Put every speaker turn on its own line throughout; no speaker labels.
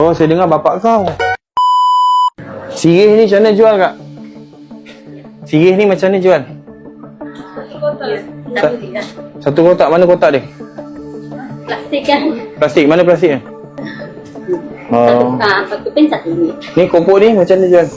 Oh, saya dengar bapak kau. Sirih ni macam mana jual, Kak? Sirih ni macam mana jual? Satu kotak. Mana kotak dia?
Plastik kan?
Plastik. Mana plastiknya?
Satu pin RM1.
Ni kopok ni macam mana jual?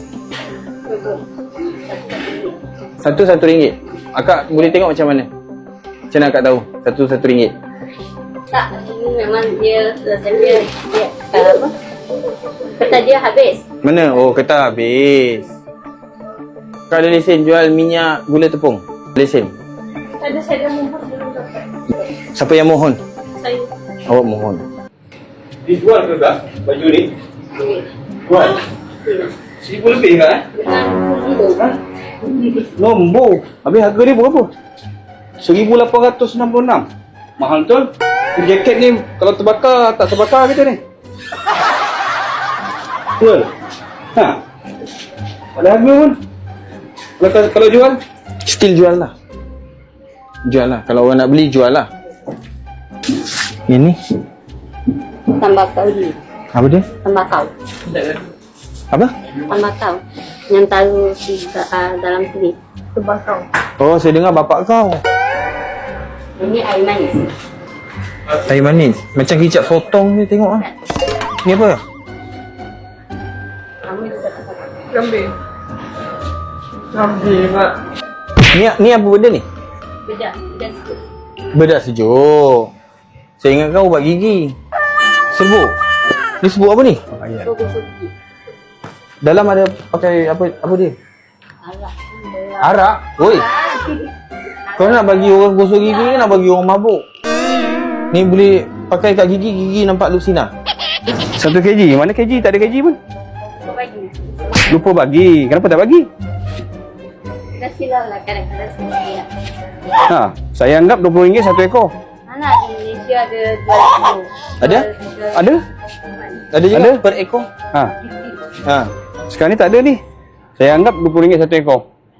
Satu RM1. Akak boleh tengok macam mana? Macam mana akak tahu? Satu RM1.
Tak, ini memang dia apa? Kata dia habis.
Mana? Oh, kertas habis. Kak ada lesen jual minyak gula tepung? Lesen?
Ada, saya dah mohon belum dapat.
Siapa yang mohon?
Saya.
Awak mohon. Dijual ke Kak? Baju ni? Jual? RM1,000 lebih Kak? Nombor. Habis harga dia berapa? RM1,866. Mahal betul. Jaket ni kalau terbakar, tak terbakar kita ni. Betul? Ha? Ada harga pun. Kalau jual, still jual lah. Jual lah. Kalau orang nak beli, jual lah. Ini
Tembakau ni.
apa dia?
Tembakau.
Apa?
Tembakau. Yang taruh di dalam kulit. Tembakau.
Oh, saya dengar bapak kau.
Ini air manis.
Air manis. Macam kicap sotong ni tengok ah. Ni apa?
Kamu juga dapat.
Kambing. Kambing, Mak.
Ni apa benda ni?
Bedak sikit.
Bedak sejuk. Saya ingat kau ubat gigi. Serbuk. Ni serbuk apa ni?
Gosok gigi.
Dalam ada pakai apa dia?
Arak.
Arak. Oi. Kau nak bagi orang gosok gigi ke nak bagi orang mabuk? Ni boleh pakai kat gigi nampak lusinar. 1 kg. Mana kg? Tak ada kg pun.
Bagi.
Lupa bagi. Kenapa tak bagi?
Dah silap lah kadang-kadang sendiri.
Ha, saya anggap RM20 satu ekor.
Mana di Malaysia ada jual.
Ada? Ada? Ada juga per ekor? Ha. Ha. Sekarang ni tak ada ni. Saya anggap RM20 satu ekor.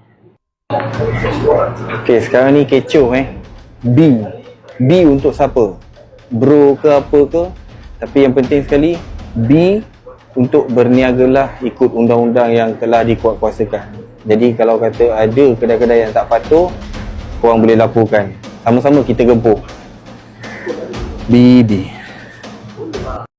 Okey, sekarang ni kecoh B. B untuk siapa? Bro ke apa ke? Tapi yang penting sekali B untuk berniagalah ikut undang-undang yang telah dikuatkuasakan. Jadi kalau kata ada kedai-kedai yang tak patuh, korang boleh laporkan. Sama-sama kita gempur. BB.